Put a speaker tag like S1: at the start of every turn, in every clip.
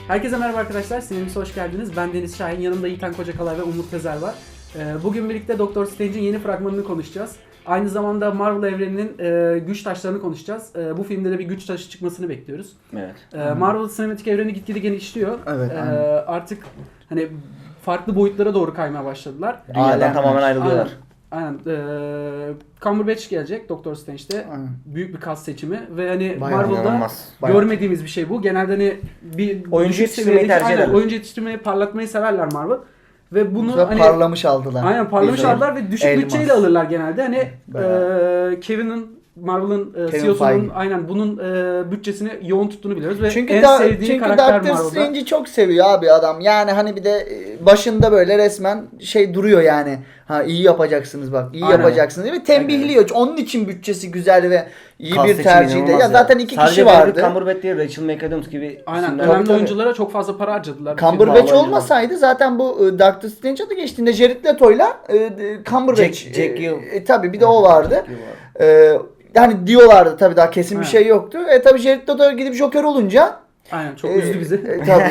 S1: Herkese merhaba arkadaşlar, sinirimize hoş geldiniz. Ben Deniz Şahin, yanımda Yiğitan Kocakalay ve Umut Tezer var. Bugün birlikte Doctor Strange'in yeni fragmanını konuşacağız. Aynı zamanda Marvel evreninin güç taşlarını konuşacağız. Bu filmde de bir güç taşı çıkmasını bekliyoruz.
S2: Evet.
S1: Marvel sinematik evreni gitgide genişliyor.
S3: Evet.
S1: Artık hani farklı boyutlara doğru kaymaya başladılar.
S2: Dünyadan tamamen ayrılıyorlar.
S1: Aynen. Cumberbatch gelecek Doctor Strange'de.
S3: Aynen.
S1: Büyük bir kas seçimi ve hani
S3: Bayağı
S1: Marvel'da
S2: inanılmaz.
S1: görmediğimiz bir şey bu. Genelde hani bir
S2: Oyuncu
S1: düşük
S2: yetiştirmeyi
S1: seviyedeki-
S2: tercih
S1: aynen,
S2: ederler.
S1: oyuncu yetiştirmeyi, parlatmayı severler Marvel. Ve bunu hani
S3: parlamış aldılar.
S1: aynen parlamış
S3: Bizim
S1: aldılar ve düşük
S3: elmas.
S1: bütçeyle alırlar genelde. Hani
S3: Bayağı.
S1: Kevin'in Marvel'ın
S3: Kevin
S1: CEO'sunun
S3: Feige.
S1: aynen bunun bütçesini yoğun tuttuğunu biliyoruz ve
S3: Çünkü
S1: en sevdiği karakter
S3: Doctor
S1: Marvel'da.
S3: Strange'i çok seviyor abi adam. Yani hani bir de başında böyle resmen şey duruyor yani. Ha iyi yapacaksınız bak. İyi
S1: Aynen.
S3: yapacaksınız ve tembihliyor. Onun için bütçesi güzel ve iyi
S2: Kas
S3: bir
S2: seçimi
S3: tercihde.
S2: inanılmaz
S3: Ya zaten iki
S2: Sadece
S3: kişi vardı.
S2: Cumberbatch değil, Rachel McAdams gibi
S1: Aynen
S2: isimler.
S1: önemli
S3: tabii.
S1: oyunculara çok fazla para harcadılar.
S3: Cumberbatch
S2: Vallahi
S3: olmasaydı zaten bu Doctor Strange adı geçtiğinde Jared Leto'yla Cumberbatch.
S2: Jack Hill.
S3: Tabii bir de o vardı.
S2: Jack Hill var.
S3: Yani diyorlardı tabii daha kesin bir
S1: Evet.
S3: şey yoktu. Tabii Jared Leto gidip Joker olunca
S1: Aynen çok üzdü bizi.
S3: Tabii.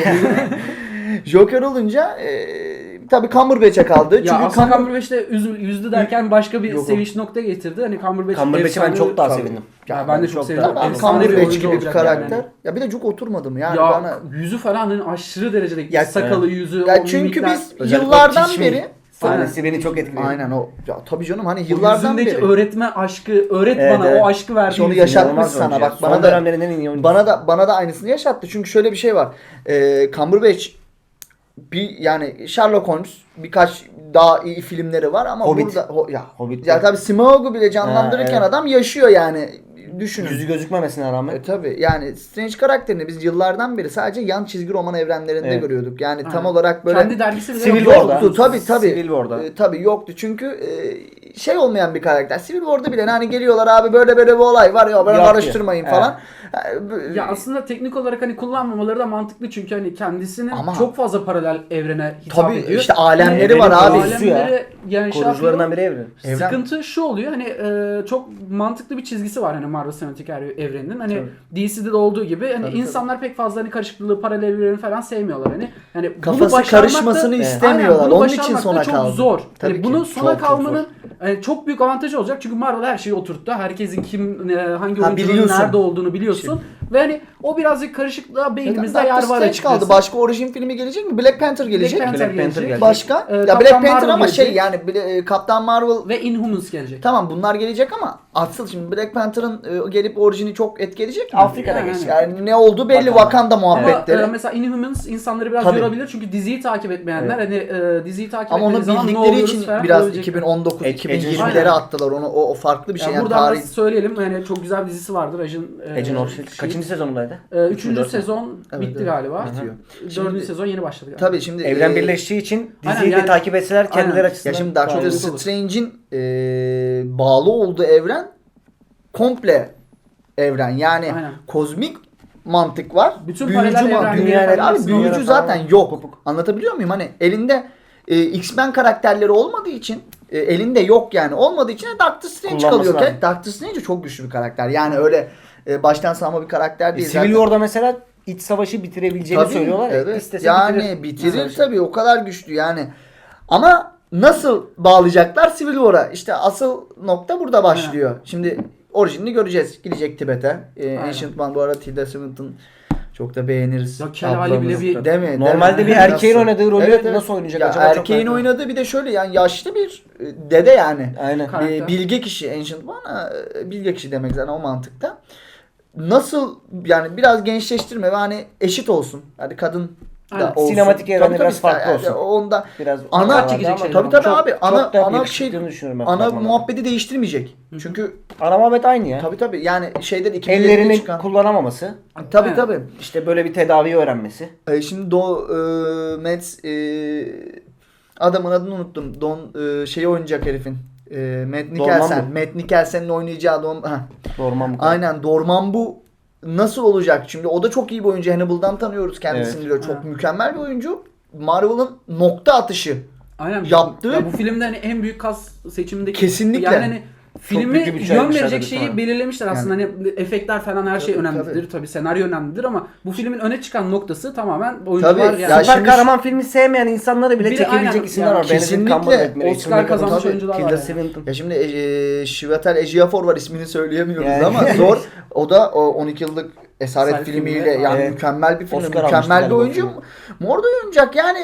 S3: Joker olunca tabii Cumberbatch'e kaldı.
S1: Ya
S3: Çünkü
S1: aslında Cumberbatch de üzdü derken başka bir
S3: Yok.
S1: sevinç noktaya getirdi. Hani
S2: Cumberbatch'e ben
S1: efsane-
S2: çok daha
S3: Tabii.
S2: sevindim.
S1: Ya ben de çok
S2: Çok
S1: sevindim.
S2: daha-
S1: Efsane bir
S3: Cumberbatch
S1: oyuncu
S3: gibi bir
S1: olacak
S3: karakter.
S1: yani.
S3: Ya bir de çok oturmadım yani
S1: Ya
S3: bana.
S1: yüzü falan hani aşırı derecede
S3: Ya,
S1: sakalı yüzü,
S3: Ya
S1: o
S3: çünkü
S1: mimikler.
S3: biz
S2: Özellikle
S3: yıllardan
S2: o Teach Me
S3: beri
S2: sahnesi beni çok etkiledi.
S3: aynen o. Ya tabii canım hani
S1: O
S3: yıllardan
S1: yüzündeki
S3: beri.
S1: öğretme aşkı, öğret
S2: Evet,
S1: bana
S2: evet.
S1: o aşkı verdi.
S3: İşte onu
S1: yüzüne.
S3: yaşatmış
S2: İnanılmaz
S3: sana.
S2: oyuncu.
S3: Bak
S2: Son
S3: bana da
S2: dönemlerin en iyi oyuncusu.
S3: bana da aynısını yaşattı. Çünkü şöyle bir şey var. Cumberbatch bir yani Sherlock Holmes birkaç daha iyi filmleri var ama
S2: Hobbit.
S3: burada
S2: Hobbit.
S3: ya tabii Smaug'u bile canlandırırken
S2: Ha, evet.
S3: adam yaşıyor yani. Düşünün.
S2: Yüzü gözükmemesine rağmen.
S3: Tabii yani Strange karakterini biz yıllardan beri sadece yan çizgi roman evrenlerinde
S2: Evet.
S3: görüyorduk. Yani tam
S1: Aynen.
S3: olarak böyle
S1: Kendi dergisi bile
S2: Civil
S1: yok.
S2: War'da.
S3: yoktu. Tabii.
S2: Civil War'da.
S3: Tabii yoktu. Çünkü şey olmayan bir karakter. Civil War'da bile hani geliyorlar abi böyle bir olay var ya böyle
S2: Yapıyor.
S3: karıştırmayın falan.
S1: Ya aslında teknik olarak hani kullanmamaları da mantıklı çünkü hani kendisinin
S3: Ama-
S1: çok fazla paralel evrene hitap
S3: Tabii,
S1: ediyor.
S3: işte alemleri
S1: Hani
S3: var abi.
S1: Alemleri yani şey
S2: Korucularından
S1: yapıyor.
S2: biri evren.
S3: Evren.
S1: Sıkıntı şu oluyor hani çok mantıklı bir çizgisi var hani Marvel Sinematik Evreninin. Hani DC'de de olduğu gibi hani
S3: Tabii,
S1: insanlar pek fazla hani karışıklığı, paralel evreni falan sevmiyorlar hani. Yani bunu
S3: Kafası
S1: başarmak da-
S3: karışmasını
S2: Evet.
S3: istemiyorlar.
S1: Aynen, bunu
S3: Onun için
S1: başarmak da
S3: sona
S1: çok
S3: kaldı.
S1: zor.
S3: Tabii
S1: Hani
S3: ki.
S1: bunu sona
S3: Çok
S1: kalmanın çok büyük avantajı olacak çünkü Marvel her şeyi oturttu. Herkesin hangi
S3: Ha,
S1: oyuncunun
S3: biliyorsun.
S1: nerede olduğunu biliyorsun. Ve hani o birazcık karışıklığa beynimizde yer var
S3: Strange
S1: açıkçası.
S3: kaldı. Başka orijin filmi gelecek mi? Black Panther gelecek.
S1: Black Panther
S2: Black Panther
S1: gelecek.
S2: gelecek.
S3: Başka? Ya
S1: Captain
S3: Black Panther
S1: Marvel
S3: ama şey
S1: gelecek.
S3: yani Kaptan Marvel
S1: Ve Inhumans gelecek.
S3: tamam bunlar gelecek ama asıl şimdi Black Panther'ın gelip orijini çok etkileyecek mi?
S2: Afrika'da
S1: Yani.
S2: geçecek.
S3: Yani ne oldu belli Wakanda
S1: Ama
S3: muhabbetleri.
S1: mesela Inhumans insanları biraz
S3: Tabii.
S1: yorabilir çünkü diziyi takip etmeyenler hani diziyi takip
S3: Ama onu
S1: etmediği zaman ne
S3: bildikleri
S1: oluyoruz
S3: için
S1: falan
S3: biraz
S1: olabilecekler.
S3: 2019
S2: Aynen.
S3: 2020'lere attılar onu. O farklı bir şey
S1: Yani
S3: yani
S1: buradan
S3: tarih.
S1: da söyleyelim yani çok güzel bir dizisi vardır
S2: Agent of S.H.I.E.L.D. Kaçıncı sezonundaydı?
S1: Üçüncü
S2: Dört mü?
S1: sezon
S3: Evet,
S1: bitti
S3: evet.
S1: galiba.
S3: Bitiyor.
S1: Dördüncü
S3: Şimdi-
S1: sezon yeni başladı galiba.
S3: Tabii şimdi
S2: Evren birleştiği için
S1: Aynen,
S2: diziyi de
S1: yani-
S2: takip etseler kendileri
S1: Aynen.
S2: açısından.
S3: ya şimdi
S2: daha
S3: Doctor
S2: iyi.
S1: olur.
S3: Strange'in bağlı olduğu evren komple evren. Yani
S1: Aynen.
S3: kozmik mantık var.
S1: Bütün
S3: büyücü
S1: paralel
S3: mantık.
S1: evrenleri
S3: Dünya
S1: falan
S3: abi
S1: hepsini
S3: büyücü
S2: olarak
S3: zaten
S2: falan
S3: yok.
S2: kopuk.
S3: Anlatabiliyor muyum? Hani elinde X-Men karakterleri olmadığı için elinde yok yani. Olmadığı için de Doctor Strange
S2: Kullanması
S3: kalıyor.
S2: lazım.
S3: Doctor Strange çok güçlü bir karakter. Yani öyle baştan sağma bir karakter değil.
S2: Civil
S3: zaten.
S2: War'da mesela iç savaşı bitirebileceğini
S3: Tabii,
S2: söylüyorlar ya.
S3: evet.
S2: İstese
S3: Yani bitirir
S2: Savaşı.
S3: tabii o kadar güçlü yani. Ama nasıl bağlayacaklar Civil War'a? İşte asıl nokta burada başlıyor. Şimdi orijinini göreceğiz. Gidecek Tibet'e. Ancient One bu arada Tilda Swinton çok da beğeniriz.
S1: Ya Kel Ali bile bir-
S3: Değil mi?
S2: Normalde
S3: Değil mi?
S2: bir erkeğin
S3: Nasıl?
S2: oynadığı rolü
S3: Evet, evet.
S2: nasıl oynayacak
S3: Ya
S2: acaba? Çok
S3: erkeğin
S2: merak
S3: oynadığı bir de şöyle yani yaşlı bir dede yani.
S2: Aynen.
S1: Karakter.
S3: Bilge kişi Ancient One bilge kişi demek zaten o mantıkta. Nasıl yani biraz gençleştirme ve hani eşit olsun. Hani kadın
S1: Aynen.
S3: da olsun.
S2: Sinematik evreni
S3: Tabii,
S2: biraz
S3: tabii,
S2: farklı
S3: yani
S2: olsun.
S3: Onda
S2: Biraz
S3: ana
S1: Dikkat çekecek şeyler
S3: tabii
S1: ama.
S3: tabii abi ana
S2: da
S3: ana
S2: bir
S3: şey
S2: çıktığını düşünüyorum ben
S3: ana
S2: fragmanlarda.
S3: muhabbeti değiştirmeyecek. Çünkü
S2: Ana muhabbet aynı ya.
S3: tabii yani şeyden 2007'de
S2: Ellerini
S3: çıkan.
S2: kullanamaması.
S3: Tabii
S1: Evet.
S3: tabii.
S2: İşte böyle bir tedavi öğrenmesi.
S3: Şimdi Mads adamın adını unuttum. Şeyi oynayacak herifin. Matt Mikkelsen.
S2: Dormammu.
S3: Matt Mikkelsen'in oynayacağı
S2: Dormammu.
S3: aynen Dormammu nasıl olacak? Şimdi o da çok iyi bir oyuncu. Hannibal'dan tanıyoruz kendisini
S2: Evet.
S3: diyor. Çok
S1: Evet.
S3: mükemmel bir oyuncu. Marvel'ın nokta atışı.
S1: Aynen.
S3: Yaptığı-
S1: Ya bu filmde hani en büyük kas seçimindeki
S3: Kesinlikle.
S1: yani hani filmi
S2: büyük bir bütçe
S1: yön
S2: ayırmışlar
S1: verecek
S2: tabii,
S1: şeyi
S2: tamam.
S1: belirlemişler aslında. Hani efektler falan her şey
S3: Tabii,
S1: önemlidir. Tabii senaryo önemlidir ama bu filmin öne çıkan noktası tamamen oyuncular
S3: Tabii,
S1: yani.
S3: ya
S2: Süper
S3: şimdi
S2: kahraman filmi sevmeyen insanları bile
S1: Bir de
S2: çekebilecek
S1: aynen,
S2: isimler
S1: yani
S2: var. Benedict
S3: kesinlikle
S2: Cumberbatch, Rachel
S1: Oscar
S2: McAdams,
S1: kazanmış
S3: tabii,
S1: oyuncular var.
S2: Tilda
S1: Yani.
S2: Swinton.
S3: Ya şimdi Chiwetel Ejiofor var, ismini söyleyemiyoruz
S2: Yani.
S3: ama zor. O da o 12 yıllık Esaret
S1: Esaret
S3: filmiyle
S1: filmiyle,
S3: yani
S2: evet.
S3: mükemmel bir film,
S2: Oscar almıştı
S3: mükemmel bir
S2: galiba
S3: oyuncu.
S2: film.
S3: Morda oynayacak yani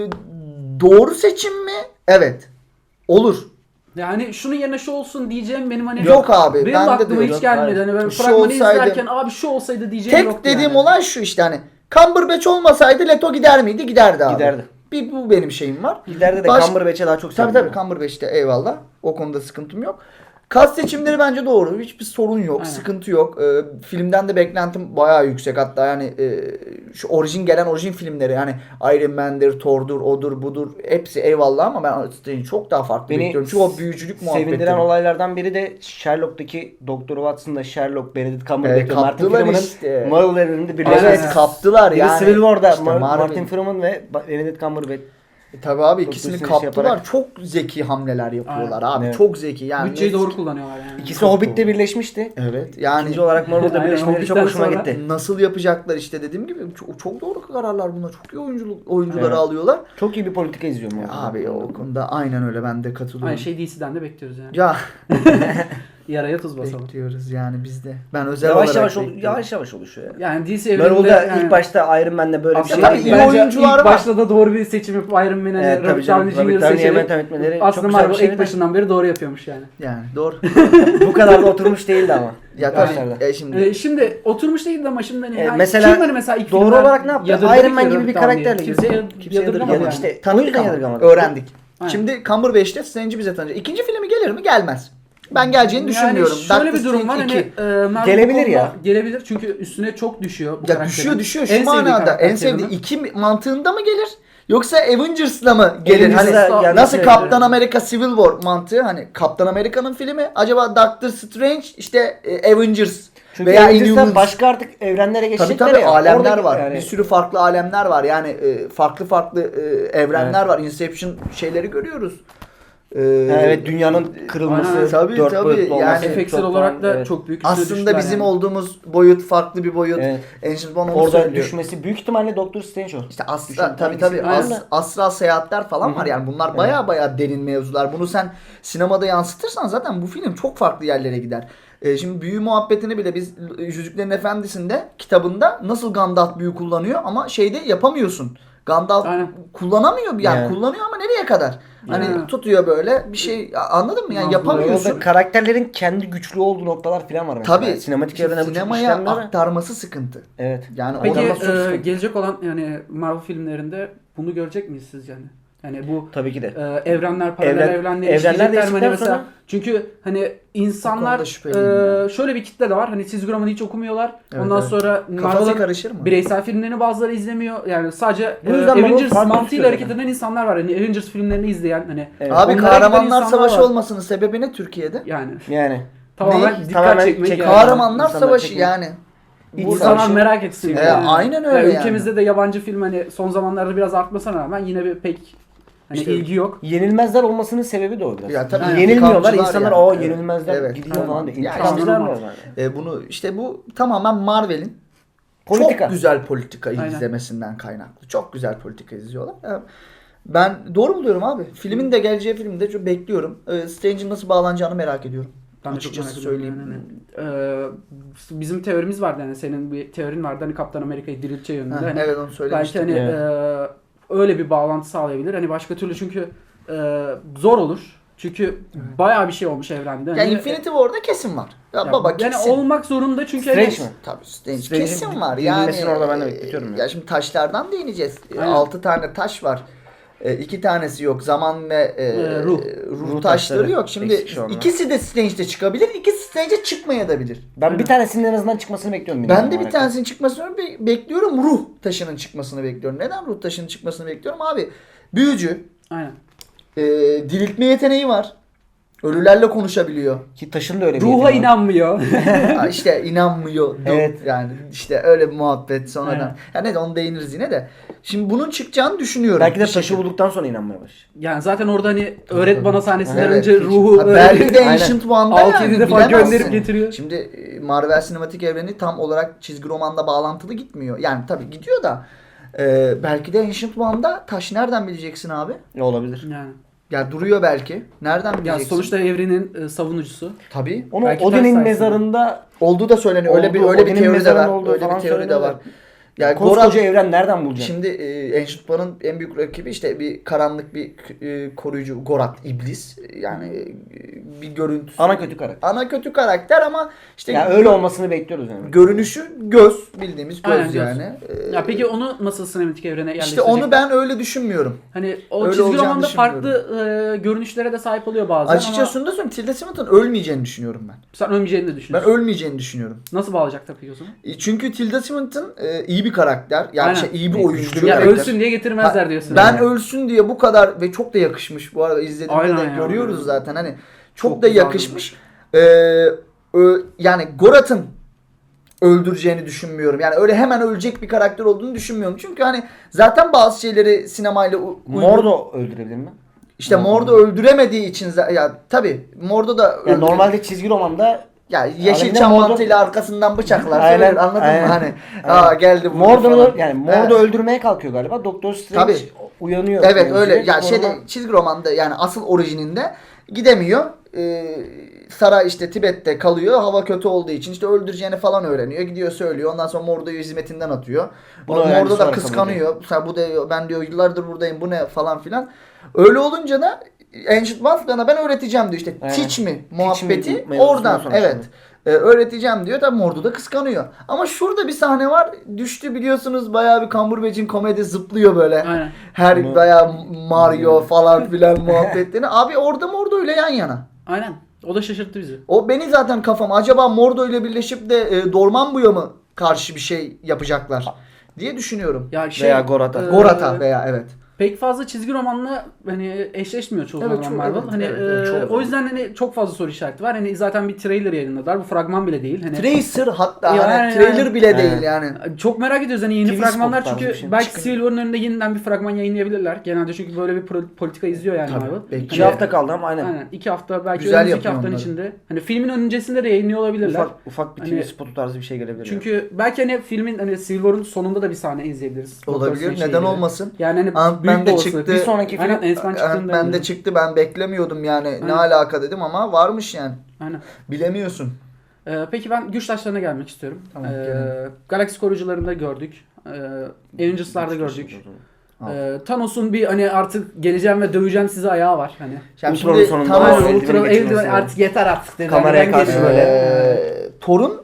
S3: doğru seçim mi? Evet. Olur.
S1: Yani şunun yerine şu olsun diyeceğim benim hani
S3: Yok abi,
S1: benim
S3: ben de
S1: aklıma
S3: diyorum.
S1: hiç gelmedi.
S2: Hayır.
S1: Hani ben
S3: Şu
S1: fragmanı
S3: olsaydı-
S1: izlerken abi şu olsaydı diyeceğim
S3: Tek
S1: yoktu
S3: dediğim
S1: yani.
S3: olay şu işte hani Cumberbatch olmasaydı Leto gider miydi? Giderdi abi.
S2: Giderdi.
S3: Bu benim şeyim var.
S2: İleride de Cumberbatch'e daha çok
S3: Tabii
S2: seviyorum.
S3: Cumberbatch'te eyvallah. O konuda sıkıntım yok. Kas seçimleri bence doğru. Hiçbir sorun yok.
S1: Aynen.
S3: Sıkıntı yok. Filmden de beklentim bayağı yüksek. Hatta yani şu orijin filmleri yani Iron Man'dir, Thor'dur, odur, budur. Hepsi eyvallah ama ben Strange'i çok daha farklı
S2: Beni
S3: bekliyorum. Çünkü o büyücülük muhabbeti.
S2: Sevindiren olaylardan biri de Sherlock'taki Doktor Watson'da Sherlock, Benedict Cumberbatch ve Martin
S3: kaptılar
S2: Freeman'ın
S3: işte.
S2: Marvel evreninde birleşmesi.
S3: Evet, kaptılar
S2: Biri
S3: yani.
S2: Civil War'da
S3: İşte
S2: Martin Freeman ve Benedict Cumberbatch.
S3: Tabii abi
S2: Doktor
S3: ikisini
S2: Strange
S3: kaptılar.
S2: yaparak.
S3: Çok zeki hamleler yapıyorlar abi.
S2: Evet.
S3: Çok zeki yani.
S1: Bütçeyi doğru kullanıyorlar yani.
S2: İkisi Hobbit'te birleşmişti.
S3: Evet yani
S2: İkinci olarak Marvel'da
S1: Aynen,
S2: birleşmeleri çok
S1: Hobbit'ten
S2: hoşuma
S1: sonra-
S2: gitti.
S3: nasıl yapacaklar işte dediğim gibi çok doğru kararlar bunlar. Çok iyi oyuncuları
S2: Evet.
S3: alıyorlar.
S2: Çok iyi bir politika izliyorum.
S3: Abi o konuda aynen öyle, ben de katılıyorum.
S1: Aynı şey DC'den de bekliyoruz yani.
S3: Ya
S1: Yaraya tuz basalım.
S3: bekliyoruz yani biz de. Ben özel
S2: Yavaş
S3: olarak
S2: yavaş
S3: bekliyorum.
S2: yavaş yavaş oluşuyor ya.
S1: Yani DC evreninde
S2: Marvel'da
S1: yani,
S2: ilk başta Iron Man'le böyle bir
S1: aslında
S2: şey
S3: tabii iyi
S1: bence
S3: oyuncular
S1: ilk
S3: var.
S1: başta da doğru bir seçim yapıp Iron Man'e
S2: Evet, tabii
S1: Robert
S2: canım.
S1: Downey
S2: Robert
S1: Jr.
S2: Downey'e
S1: seçerek
S2: yöntem etmeleri
S1: aslında
S2: çok güzel bir
S1: Marvel
S2: şey
S1: ilk
S2: de.
S1: başından beri doğru yapıyormuş yani.
S3: Yani doğru.
S2: Bu kadar da oturmuş değildi ama.
S3: Ya
S2: Başlarda.
S3: tabii şimdi
S1: Şimdi oturmuş değildi ama şimdi hani
S2: mesela
S1: kim hani mesela ilk
S2: doğru
S1: filmden
S2: olarak ne yaptı?
S1: yadırgadı
S2: Iron Man
S1: ki
S2: gibi
S1: Robert
S2: bir
S1: Downey'i?
S2: karakterle
S1: Kimse
S2: girdi. Kimse
S1: yadırgamadı
S2: yadırgamadı.
S1: yani.
S2: İşte
S3: tanıdık
S2: o yüzden
S3: ama
S2: yadırgamadık.
S3: öğrendik.
S1: Aynen.
S3: Şimdi Cumberbatch'te Strange'i bize tanıyacak. İkinci filmi gelir mi? Gelmez. Ben geleceğini düşünmüyorum.
S1: Yani şöyle
S3: Doctor
S1: bir durum var
S3: Strange
S1: hani
S3: 2.
S1: Marvel
S2: Gelebilir
S1: bu konuda
S2: ya.
S1: Gelebilir çünkü üstüne çok düşüyor bu
S3: Ya
S1: karakterin.
S3: düşüyor
S1: En
S3: şu
S1: sevdiği
S3: manada
S1: karakter
S3: en sevdiği
S1: Kevin'in.
S3: iki mantığında mı gelir? Yoksa Avengers'la mı gelir? Hani
S2: Avengers'la gelmesi
S3: nasıl
S2: gerekiyor.
S3: Kaptan Amerika Civil War mantığı, hani Kaptan Amerika'nın filmi, acaba Doctor Strange işte Avengers
S2: Çünkü
S3: veya
S2: Avengers'tan
S3: Inhumans.
S2: başka artık evrenlere
S3: Tabii
S2: geçecekler
S3: tabii
S2: ya.
S3: alemler
S2: Oradaki-
S3: var.
S2: yani-
S3: Bir sürü farklı alemler var. Yani farklı evrenler var. Inception şeyleri görüyoruz.
S2: Evet, dünyanın kırılması,
S1: Aynen.
S3: Tabii,
S2: dört
S3: tabii.
S2: boyutlu olması.
S3: Yani
S1: Efeksel
S2: çok
S1: olarak da
S2: evet.
S1: çok büyük üstüne
S3: aslında
S1: düştüler
S3: bizim
S1: yani.
S3: olduğumuz boyut farklı bir boyut.
S2: Evet.
S3: Ancient One onu
S2: Orada
S3: söylüyor.
S2: düşmesi büyük ihtimalle Doctor Strange o.
S3: İşte
S2: Düşün,
S3: tabii
S1: Aynen.
S3: astral seyahatler falan
S2: Hı hı.
S3: var yani, bunlar baya derin mevzular. Bunu sen sinemada yansıtırsan zaten bu film çok farklı yerlere gider. Şimdi büyü muhabbetini bile biz Yüzüklerin Efendisi'nde kitabında nasıl Gandalf büyü kullanıyor ama şeyde yapamıyorsun. Gandalf
S1: Aynen.
S3: kullanamıyor yani,
S2: Yani.
S3: kullanıyor ama nereye kadar? Hani
S1: Yani.
S3: tutuyor böyle bir şey, anladın mı? Yani
S1: Anladım.
S3: yapamıyorsun.
S2: Orada karakterlerin kendi güçlü olduğu noktalar falan var mesela.
S3: Tabii
S2: Sinematik evrene bu çok
S3: sinemaya
S2: işlenmiyor.
S3: aktarması sıkıntı.
S2: Evet.
S3: Yani
S1: Peki
S3: oradan nasıl sıkıntı?
S1: gelecek olan yani Marvel filmlerinde bunu görecek miyiz sizce yani? Yani bu
S2: Tabii ki de.
S1: evrenler, paralel evrenler
S2: evrenler
S1: işleyecekler mi? Hani
S2: değiştikten
S1: mesela
S2: sonra-
S1: çünkü hani
S3: O
S1: insanlar
S3: konuda şüpheliyim ya.
S1: şöyle bir kitle de var. Hani çizgi romanı hiç okumuyorlar.
S3: Evet,
S1: Ondan
S3: evet.
S1: sonra
S3: Kafası
S1: Marvel'ın
S3: karışır mı?
S1: bireysel filmlerini bazıları izlemiyor. Yani sadece
S2: Bu yüzden Marvel
S1: Avengers
S2: farklı
S1: mantığıyla
S2: tutuyor
S1: hareket
S2: zaten.
S1: eden insanlar var. Hani Avengers filmlerini izleyen hani
S2: Evet.
S3: Abi
S1: onlara giden
S3: kahramanlar
S1: insanlar
S3: savaşı
S1: var.
S3: olmasının sebebi ne Türkiye'de?
S1: Yani
S2: Yani.
S1: tamamen
S3: Ne?
S1: dikkat
S2: Tamamen
S1: çekmek
S2: çek-
S1: yani.
S3: Kahramanlar
S2: İnsanlar
S3: savaşı
S2: çekmiyor.
S3: yani.
S1: İnsanlar
S2: Burada-
S1: merak etsin.
S3: Aynen öyle yani.
S1: Ülkemizde de yabancı film hani son zamanlarda biraz artmasına rağmen yine bir pek hani
S3: İşte-
S1: ilgi yok.
S2: Yenilmezler olmasının sebebi de o biraz.
S3: Ya tabii,
S2: Yenilmiyorlar,
S3: intikamcılar
S2: insanlar
S3: yani.
S2: o
S3: Evet.
S2: yenilmezler
S3: Evet.
S2: gidiyor
S3: Aynen.
S2: falan diyor.
S3: Yani
S2: İntikamcılar
S1: normal.
S2: normal.
S3: Bunu işte bu tamamen Marvel'in
S2: Politika.
S3: çok güzel politika
S1: Aynen.
S3: izlemesinden kaynaklı. Çok güzel politika izliyorlar. Ben doğru buluyorum abi. Filmin de geleceği filmde çok bekliyorum. Strange'in nasıl bağlanacağını merak ediyorum.
S1: Ben de çok
S3: Açıkçası
S1: merak ediyorum
S3: söyleyeyim.
S1: yani. Bizim teorimiz vardı yani senin bir teorin vardı hani Kaptan Amerika'yı dirilteceği yönünde.
S3: Ha,
S1: Hani
S3: evet, onu
S1: belki
S3: söylemiştim.
S1: hani
S2: Evet.
S1: öyle bir bağlantı sağlayabilir. Hani başka türlü çünkü zor olur. Çünkü bayağı bir şey olmuş evrende.
S3: Yani
S1: Hani,
S3: Infinity War'da kesin var. Ya,
S1: ya
S3: baba
S1: yani
S3: kesin.
S1: olmak zorunda çünkü
S2: Strange
S1: hani-
S2: mi?
S3: Tabii Strange
S2: Strange'in
S3: kesin var. Yani
S2: dinlemesini orada ben de bekletiyorum ya.
S3: Ya şimdi taşlardan değineceğiz.
S1: Aynen.
S3: 6 tane taş var. 2 tanesi yok. Zaman ve
S1: Ruh.
S3: ruh taşları
S2: taşları
S3: yok. Şimdi
S2: eksik şu anda.
S3: ikisi de Strange'de çıkabilir. İkisi Strange'de çıkmayabilir.
S2: Ben bir tanesinin en azından çıkmasını bekliyorum.
S3: Ben
S2: bilmiyorum
S3: de bir
S2: olarak.
S3: tanesinin çıkmasını bekliyorum. Ruh taşının çıkmasını bekliyorum. Neden ruh taşının çıkmasını bekliyorum? Abi büyücü,
S1: Aynen.
S3: diriltme yeteneği var. Ölülerle konuşabiliyor.
S2: Ki taşın da öyle bir
S1: Ruha
S2: yeteneği var.
S1: inanmıyor.
S3: Ha, işte inanmıyor.
S2: Evet.
S3: Yani işte öyle bir muhabbet sonradan.
S1: Aynen.
S3: Ya ne de onu değiniriz yine de. Şimdi bunun çıkacağını düşünüyorum.
S2: Belki de
S3: Bir
S2: taşı
S3: şekilde.
S2: bulduktan sonra inanmaya başlar.
S1: Yani zaten orada hani öğret bana sahnesinden
S2: Evet,
S1: önce
S2: hiç-
S1: ruhu
S3: Ha,
S1: böyle
S3: belki de
S2: Aynen.
S3: Ancient One'da
S1: 6-7
S3: yani,
S1: defa
S3: bilemezsin.
S1: gönderip getiriyor.
S3: Şimdi Marvel sinematik evreni tam olarak çizgi romanda bağlantılı gitmiyor. Yani tabii gidiyor da belki de Ancient One'da taş nereden bileceksin abi?
S2: Olabilir.
S1: Yani.
S3: Ya duruyor belki. Nereden
S1: Ya
S3: bileceksin?
S1: sonuçta evrenin savunucusu.
S3: Tabii.
S2: Onu
S1: Belki
S2: Odin'in
S1: ters
S2: mezarında
S3: Olduğu da söyleniyor. Öyle bir
S2: Olduğu,
S3: öyle bir
S2: Odin'in
S3: teori de
S2: mezarının
S3: var.
S2: olduğu
S3: Öyle bir
S2: falan
S3: teori de
S2: söyleniyor
S3: var.
S2: da.
S3: Yani
S2: koskoca evren nereden bulacak?
S3: şimdi Ancient One'ın en büyük rakibi işte bir karanlık bir koruyucu Gorath iblis. Yani bir görüntüsü.
S2: Ana kötü karakter.
S3: Ana kötü karakter ama işte
S2: Ya öyle olmasını bekliyoruz yani.
S3: görünüşü göz, bildiğimiz göz
S1: Aynen, göz.
S3: yani.
S1: Ya peki onu nasıl sinematik evrene
S3: işte
S1: yerleştirecekler?
S3: onu ben öyle düşünmüyorum.
S1: Hani o
S3: Öyle
S1: çizgi
S3: olacağını
S1: romanda farklı
S3: düşünmüyorum.
S1: görünüşlere de sahip oluyor bazen
S3: Açıkçası şunu da söyleyeyim. Tilda Swinton ölmeyeceğini düşünüyorum ben.
S1: ama sen ölmeyeceğini de
S3: Ben
S1: düşünüyorsun.
S3: ölmeyeceğini düşünüyorum.
S1: Nasıl bağlayacaklar peki o zaman?
S3: Çünkü Tilda Swinton iyi bir karakter. Yani
S1: Aynen.
S3: iyi bir
S2: Güçlü
S3: oyuncu.
S2: bir
S1: Ya
S2: karakter.
S1: ölsün diye getirmezler diyorsun.
S3: Ben
S1: yani.
S3: ölsün diye bu kadar ve çok da yakışmış bu arada izlediğimde
S1: Aynen
S3: de
S1: ya.
S3: görüyoruz zaten hani çok
S1: Çok
S3: da
S1: güzel
S3: yakışmış. Yani Gorath'ın öldüreceğini düşünmüyorum. Yani öyle hemen ölecek bir karakter olduğunu düşünmüyorum. Çünkü hani zaten bazı şeyleri sinemayla
S2: Mordo öldürebilir mi?
S3: işte Mordo öldüremediği için ya tabii Mordo da
S2: Yani normalde çizgi romanda
S3: ya yeşil
S2: Alevinde
S3: çam
S2: Mordo-
S3: mantığıyla arkasından bıçaklar
S2: Aynen,
S3: söyler anladın
S2: aynen.
S3: mı hani
S2: Aynen.
S3: geldi vurdu
S2: Mordo'nu
S3: falan.
S2: yani Mordo
S3: Evet.
S2: öldürmeye kalkıyor galiba. Doktor Strange
S3: Tabii.
S2: uyanıyor.
S3: Evet
S2: Yani
S3: öyle.
S2: direkt
S3: Ya
S2: koruma-
S3: şeyde çizgi romanda yani asıl orijininde gidemiyor. Saray işte Tibet'te kalıyor. Hava kötü olduğu için işte öldüreceğini falan öğreniyor. Gidiyor söylüyor. Ondan sonra Mordo'yu hizmetinden atıyor.
S2: Bunu öğrendi,
S3: Mordo da
S2: sonra
S3: kıskanıyor. Mesela bu da ben diyor yıllardır buradayım bu ne falan filan. Öyle olunca da Ancient One'da ben öğreteceğim diyor. İşte
S2: Aynen.
S3: teach me
S2: Teach me
S3: muhabbeti
S2: mevzusundan
S3: oradan.
S2: sonra
S3: Evet.
S2: şimdi.
S3: Öğreteceğim diyor. Tabii Mordo da kıskanıyor. Ama şurada bir sahne var. Düştü biliyorsunuz bayağı bir Cumberbatch'in komedi zıplıyor böyle.
S1: Aynen.
S3: Her
S2: Bunu-
S3: bayağı Mario falan filan muhabbetlerini. Abi orada Mordo ile yan yana.
S1: Aynen. O da şaşırttı bizi.
S3: O beni zaten kafam. Acaba Mordo ile birleşip de Dormammu'ya mı karşı bir şey yapacaklar diye düşünüyorum.
S1: Ya
S2: Veya Gorath'a.
S3: Gorath'a veya evet.
S1: Pek fazla çizgi romanla hani eşleşmiyor çoğu
S3: Evet,
S1: zaman
S3: çok-
S1: Marvel.
S3: evet,
S1: Hani
S3: evet, çoğu
S1: o
S3: zaman.
S1: yüzden hani çok fazla soru işareti var. Hani zaten bir trailer yayınladılar. Bu fragman bile değil. Hani
S3: Tracer hatta
S1: Yani-
S3: hani trailer bile
S2: Yani.
S3: değil yani.
S1: çok merak ediyoruz hani yeni
S2: TV
S1: fragmanlar
S2: spot tarzı
S1: çünkü
S2: bir şey.
S1: belki
S2: Çıkın.
S1: Civil War'ın önünde yeniden bir fragman yayınlayabilirler. Genelde çünkü böyle bir politika izliyor yani
S3: Tabii,
S1: Marvel.
S3: belki.
S2: 2 hafta kaldı ama aynen.
S1: Aynen. 2 hafta belki
S3: Güzel
S1: önümüzdeki
S3: yapıyor
S1: haftanın
S3: onları.
S1: içinde. Hani filmin öncesinde de yayınlıyor olabilirler.
S2: Ufak bir TV
S1: Hani-
S2: spotu tarzı bir şey gelebilir.
S1: Çünkü belki hani filmin hani Civil War'ın sonunda da bir sahne izleyebiliriz. Doctor
S3: Olabilir.
S1: Strange'le
S3: Neden
S1: ilgili.
S3: olmasın?
S1: Yani hani
S3: Ant-Man
S1: büyük
S3: de
S1: bir olasılık.
S3: çıktı.
S2: Bir sonraki film
S1: Aynen Ant-Man çıktığında.
S3: Ben de çıktı. Ben beklemiyordum yani. Ne
S1: Aynen.
S3: alaka dedim ama varmış yani.
S1: Aynen.
S3: Bilemiyorsun.
S1: Peki ben güç taşlarına gelmek istiyorum.
S3: Tamam, gelelim.
S1: Galaksi koruyucularında gördük. Avengers'larda gördük.
S3: Al.
S1: Thanos'un bir hani artık geleceğim ve döveceğim sizi ayağı var hani.
S3: Yani
S2: Ultron'un
S3: şimdi
S2: sonunda
S3: Thanos-
S2: Aynen,
S1: Ultron
S2: eldiveni geçirmesi
S1: eldiven
S2: yani.
S1: artık yeter artık dedi.
S2: Kameraya
S1: Ben
S2: karşı
S1: geliyorum.
S2: böyle.
S3: Thor'un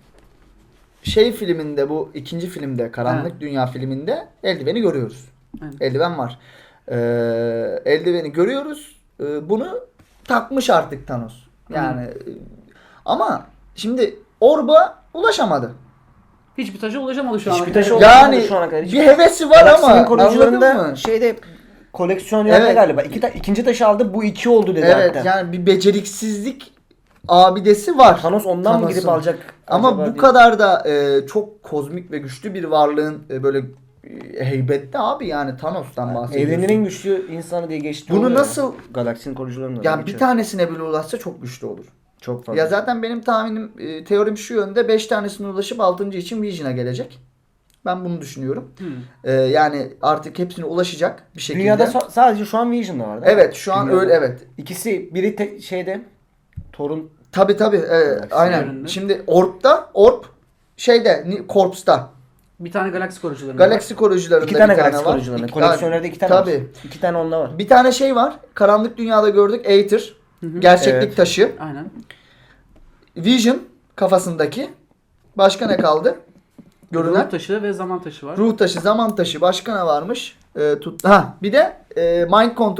S3: şey filminde bu ikinci filmde Karanlık
S1: Ha.
S3: Dünya filminde eldiveni görüyoruz.
S1: Aynen.
S3: Eldiven var. Eldiveni görüyoruz. Bunu takmış artık Thanos. Yani ama şimdi Orb'a ulaşamadı.
S1: Hiçbir taşa ulaşamadı şu an.
S2: Hiçbir taşa
S1: Evet.
S2: ulaşamadı.
S3: Yani
S2: şu ana kadar hiç-
S3: bir hevesi var
S2: Galaksinin
S3: ama
S2: koruyucularında
S3: anladın mı?
S2: şeyde koleksiyon yerde
S3: Evet.
S2: galiba. İkinci taşı aldı bu 2 oldu dedi
S3: Evet
S2: hatta.
S3: yani bir beceriksizlik abidesi var.
S2: Thanos ondan mı
S3: Thanos'un.
S2: gidip alacak?
S3: Ama
S2: acaba
S3: bu
S2: diye.
S3: kadar da çok kozmik ve güçlü bir varlığın böyle heybetli abi yani Thanos'tan bahsediyorsun.
S2: Evrenin en güçlü insanı diye geçti.
S3: Bunu
S2: oluyor ya.
S3: nasıl-
S2: Galaksinin koruyucularında.
S3: yani bir tanesine bile ulaşsa çok güçlü olur.
S2: çok fazla.
S3: Ya zaten benim tahminim teorim şu yönde 5 tanesine ulaşıp 6. için Vision'a gelecek. Ben bunu düşünüyorum. Yani artık hepsine ulaşacak bir şekilde.
S2: Dünyada sadece şu an Vision'da var değil mi?
S3: Evet şu an
S2: Dünyada.
S3: öyle evet.
S2: İkisi biri şeyde Thor'un
S3: Tabii evet, aynen.
S1: önünde.
S3: Şimdi Orb şeyde Corps'ta.
S1: Bir tane galaksi koruyucularında.
S3: Galaksi koruyucularında
S2: iki tane
S3: bir tane
S2: galaksi
S3: var.
S2: koruyucularında.
S3: İki-
S2: Koleksiyonlarda 2 tane
S3: Tabii.
S2: var. 2 tane onda var.
S3: Bir tane şey var. Karanlık Dünya'da gördük. Aether. Gerçeklik
S2: Evet.
S3: taşı.
S1: Aynen.
S3: Vision kafasındaki. Başka ne kaldı? Görünen.
S1: Ruh taşı ve zaman taşı var.
S3: Ruh taşı, zaman taşı. Başka ne varmış? Bir de Mind Control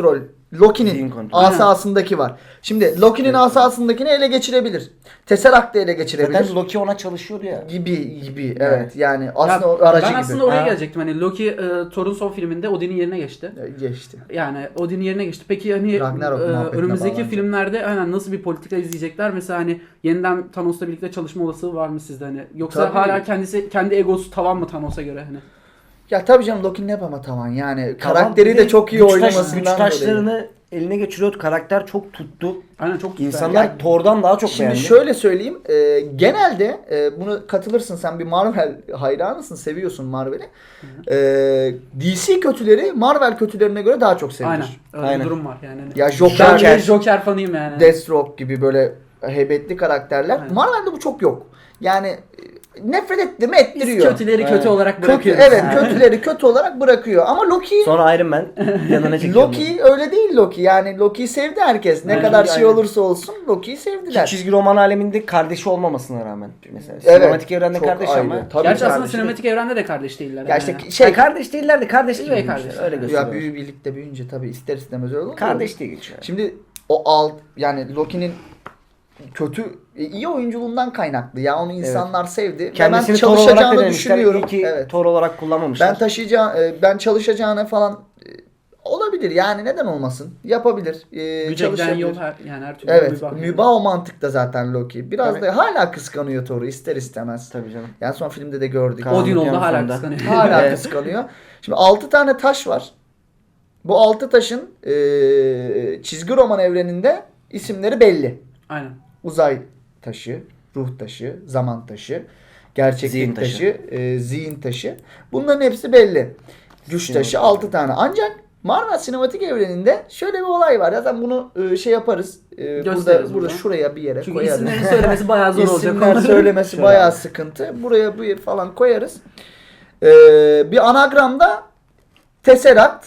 S2: Zihin
S3: Loki'nin
S2: kontrolü.
S3: asasındaki var. Şimdi Loki'nin asasındakini ele geçirebilir. Tesseract'ı ele geçirebilir.
S2: Zaten Loki ona çalışıyordu ya.
S3: Gibi evet. Yani aslında
S1: Ya,
S3: o aracı
S1: ben
S3: gibi.
S1: aslında oraya
S2: Ha.
S1: gelecektim. Hani Loki Thor'un son filminde Odin'in yerine geçti.
S3: Geçti.
S1: Yani Odin'in yerine geçti. Peki hani
S3: Ragnarok muhabbetine
S1: önümüzdeki
S3: bağlanacak.
S1: filmlerde aynen nasıl bir politika izleyecekler? Mesela hani yeniden Thanos'la birlikte çalışma olasılığı var mı sizde hani? Yoksa
S3: Tabii.
S1: hala kendi egosu tavan mı Thanos'a göre hani?
S3: Ya tabii canım Loki'nin hep ama tavan yani
S2: Tamam,
S3: karakteri
S2: bir
S3: de çok iyi
S2: güç
S3: oynamasından
S2: güç
S3: dolayı.
S2: taşlarını eline geçiriyordu. Karakter çok tuttu.
S1: Aynen çok güzel.
S2: İnsanlar
S3: Yani-
S2: Thor'dan daha çok
S3: Şimdi
S2: beğendi.
S3: şöyle söyleyeyim. Genelde bunu katılırsın, sen bir Marvel hayranısın, seviyorsun Marvel'i. DC kötüleri Marvel kötülerine göre daha çok sevilir.
S1: Aynen. Öyle
S2: Aynen.
S1: bir durum var yani. Hani.
S3: Ya
S1: Ben
S3: Joker,
S1: bir Joker fanıyım yani.
S3: Deathstroke gibi böyle heybetli karakterler.
S1: Aynen.
S3: Marvel'de bu çok yok. Yani nefret etti mi
S1: Biz
S3: ettiriyor.
S1: kötüleri kötü
S2: Aynen.
S1: olarak
S3: Kötü,
S1: bırakıyoruz.
S3: evet
S1: Yani.
S3: kötüleri kötü olarak bırakıyor. Ama Loki
S2: Sonra Iron Man yanına çekiyor.
S3: Loki öyle değil Loki. Yani Loki'yi sevdi herkes. Ne
S1: Aynen.
S3: kadar şey
S2: Aynen.
S3: olursa olsun Loki'yi sevdiler.
S2: Çizgi roman aleminde kardeşi olmamasına rağmen mesela.
S3: Evet,
S2: Sinematik evrende
S3: çok
S2: kardeş
S3: ayrı.
S2: ama.
S3: Tabii
S1: Gerçi aslında
S3: kardeşi
S1: sinematik evrende de kardeş değiller.
S3: Ya
S1: yani.
S3: işte şey
S2: Kardeş değillerdi, kardeş gibi.
S1: Üvey
S2: büyümüşler,
S1: kardeşler.
S2: Öyle
S1: Ya
S2: gösteriyor.
S3: ya birlikte büyüyünce tabii ister istemez öyle olur.
S2: Kardeş diye geçiyor.
S3: Şimdi yani Loki'nin kötü iyi oyunculuğundan kaynaklı. Ya onu insanlar sevdi. Ve
S2: Kendisini
S3: ben
S2: Thor olarak
S3: çalışacağını
S2: denemişler.
S3: düşünüyorum.
S2: İyi ki
S3: Evet.
S2: Thor olarak kullanmamışlar.
S3: Ben çalışacağına falan olabilir. Yani neden olmasın? Yapabilir.
S1: Güce giden
S3: Çalışabilir.
S1: yol yani her türlü
S3: Evet.
S1: mübah.
S3: Mübah o mantıkta zaten Loki. Biraz
S2: Tabii.
S3: da hala kıskanıyor Thor'u ister istemez.
S2: Tabii canım.
S3: Yani son filmde de gördük.
S2: Karanlık
S1: Odin oldu
S2: Yan
S1: hala
S2: sonunda.
S1: kıskanıyor.
S3: Hala
S2: Evet.
S3: kıskanıyor. Şimdi 6 tane taş var. Bu 6 taşın çizgi roman evreninde isimleri belli.
S1: Aynen.
S3: Uzay taşı, ruh taşı, zaman taşı, gerçeklik
S2: Zihin taşı.
S3: taşı, zihin taşı. Bunların hepsi belli. Güç
S2: Sinematik
S3: taşı 6 tane. Ancak Marvel sinematik evreninde şöyle bir olay var. Zaten bunu şey yaparız.
S1: Gösteririz
S3: Burada
S1: burada.
S3: şuraya bir yere
S1: Çünkü
S3: koyarız.
S1: isimlerini söylemesi bayağı zor olacak.
S3: İsimler
S1: onların.
S3: söylemesi
S2: Şöyle
S3: bayağı
S2: abi.
S3: sıkıntı. Buraya bir falan koyarız. Bir anagramda Tesseract,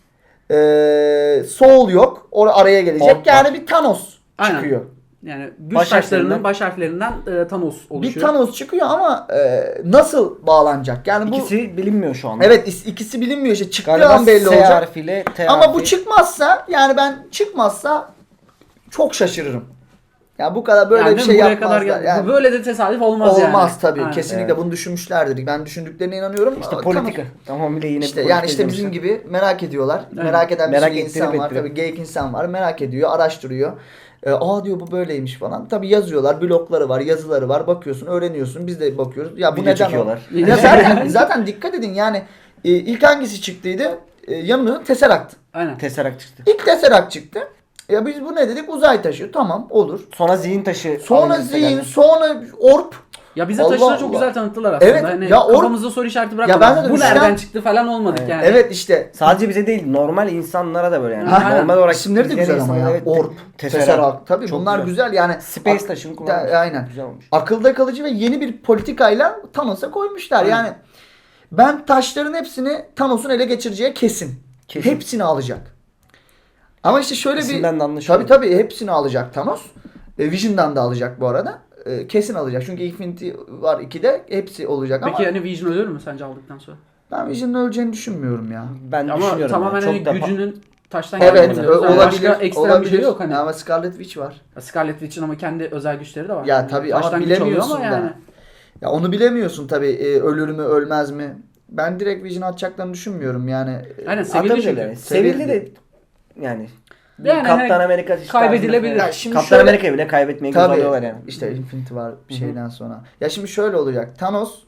S3: Soul yok. Araya gelecek.
S2: Ork
S3: Yani bir Thanos
S1: Aynen.
S3: çıkıyor.
S1: Yani güç
S2: Baş
S1: taşlarının
S2: harflerinden-
S1: baş harflerinden Thanos oluşuyor.
S3: Bir Thanos çıkıyor ama nasıl bağlanacak? Yani bu
S2: İkisi bilinmiyor şu anda.
S3: evet ikisi bilinmiyor işte çıktığı
S2: Galiba
S3: an belli
S2: S
S3: olacak.
S2: harfiyle T
S3: Ama bu
S2: harfi.
S3: çıkmazsa yani ben çıkmazsa çok şaşırırım. Ya bu kadar böyle
S1: yani
S3: bir şey
S1: buraya
S3: yapmazlar.
S1: kadar
S3: Yani
S1: böyle de tesadüf olmaz, yani.
S3: olmaz tabii.
S1: Aynen.
S3: Kesinlikle
S2: Evet.
S3: bunu düşünmüşlerdir. Ben düşündüklerine inanıyorum.
S2: İşte
S3: Ama
S2: politika.
S3: Thanos-
S2: Tamamıyla yine
S3: İşte
S2: bir
S3: yani
S2: politika
S3: işte bizim
S2: izlemişler.
S3: gibi merak ediyorlar.
S1: Aynen.
S3: Merak eden bir
S2: Merak
S3: sürü insan
S2: ettirip
S3: var.
S2: ettiriyor.
S3: Tabii geyik insan var. Merak ediyor, araştırıyor. Diyor bu böyleymiş falan. Tabii yazıyorlar, blogları var, yazıları var. Bakıyorsun, öğreniyorsun. Biz de bakıyoruz. Ya bu
S2: Video
S3: neden
S2: çekiyorlar.
S3: o? Ya zaten dikkat edin yani ilk hangisi çıktıydı? Yanımda Tesseract.
S1: Aynen.
S2: Tesseract çıktı.
S3: İlk Tesseract çıktı. Ya biz bu ne dedik? Uzay taşı. Tamam olur.
S2: Sonra zihin taşı.
S3: Sonra
S2: alındı
S3: zihin,
S2: geldi.
S3: sonra orp.
S1: Ya bize
S3: Allah
S1: taşları
S3: Allah.
S1: çok güzel tanıttılar aslında.
S3: Evet,
S1: Hani
S3: ya
S1: kafamızda soru işareti
S3: ben
S1: bırakmadık.
S3: de
S1: Bu
S3: düşünen-
S1: nereden çıktı falan olmadık
S2: Evet.
S1: yani.
S3: Evet işte.
S2: Sadece bize değil, normal insanlara da böyle yani.
S1: Ha,
S2: Normal olarak
S3: İsimleri de
S2: izleyen
S3: güzel ama
S2: insanlara
S3: ya.
S2: evet,
S3: Orp, Tesseract. Tabii
S2: Çok
S3: bunlar güzel yani.
S2: Space taşını kullanmış.
S3: Aynen.
S2: Güzel olmuş.
S3: Akılda kalıcı ve yeni bir politikayla Thanos'a koymuşlar.
S1: Aynen.
S3: Yani ben taşların hepsini Thanos'un ele geçireceği kesin.
S2: Kesin.
S3: Hepsini alacak. Ama işte şöyle
S2: İsimden de anlaşılıyor.
S3: tabii hepsini alacak Thanos. Vision'dan da alacak bu arada. Kesin alacak. Çünkü Infinity var 2'de hepsi olacak
S1: Peki
S3: ama
S1: hani Vision ölür mü sence aldıktan sonra?
S3: ben Vision'ın öleceğini düşünmüyorum ya.
S2: Ben
S1: Ama
S2: düşünüyorum.
S1: tamamen
S2: yani.
S1: hani
S2: Çok da
S1: gücünün taştan
S3: Evet
S1: geldiğini biliyoruz. Yani
S3: olabilir.
S1: Başka ekstrem bir
S3: olabilir.
S1: şey yok hani.
S3: Ama Scarlet Witch var.
S1: Scarlet Witch'in ama kendi özel güçleri de var.
S3: Ya
S1: Yani
S3: tabii ama
S1: taştan güç
S3: bilemiyorsun
S1: alıyor
S3: da.
S1: ama yani.
S3: Ya onu bilemiyorsun tabii ölür mü ölmez mi? Ben direkt Vision atacaklarını düşünmüyorum yani.
S1: Aynen sevildi
S2: Atabilirler.
S1: çünkü.
S2: Sevildi de yani.
S1: Yani
S2: Kaptan
S1: hani
S2: Amerika işte
S1: kaybedilebilir.
S2: tarzında-
S3: Ya şimdi
S2: Kaptan
S3: şöyle-
S2: Amerika'yı bile kaybetmeyi göz
S3: Tabii
S2: alıyorlar yani.
S3: işte Infinity var şeyden sonra. Ya şimdi şöyle olacak. Thanos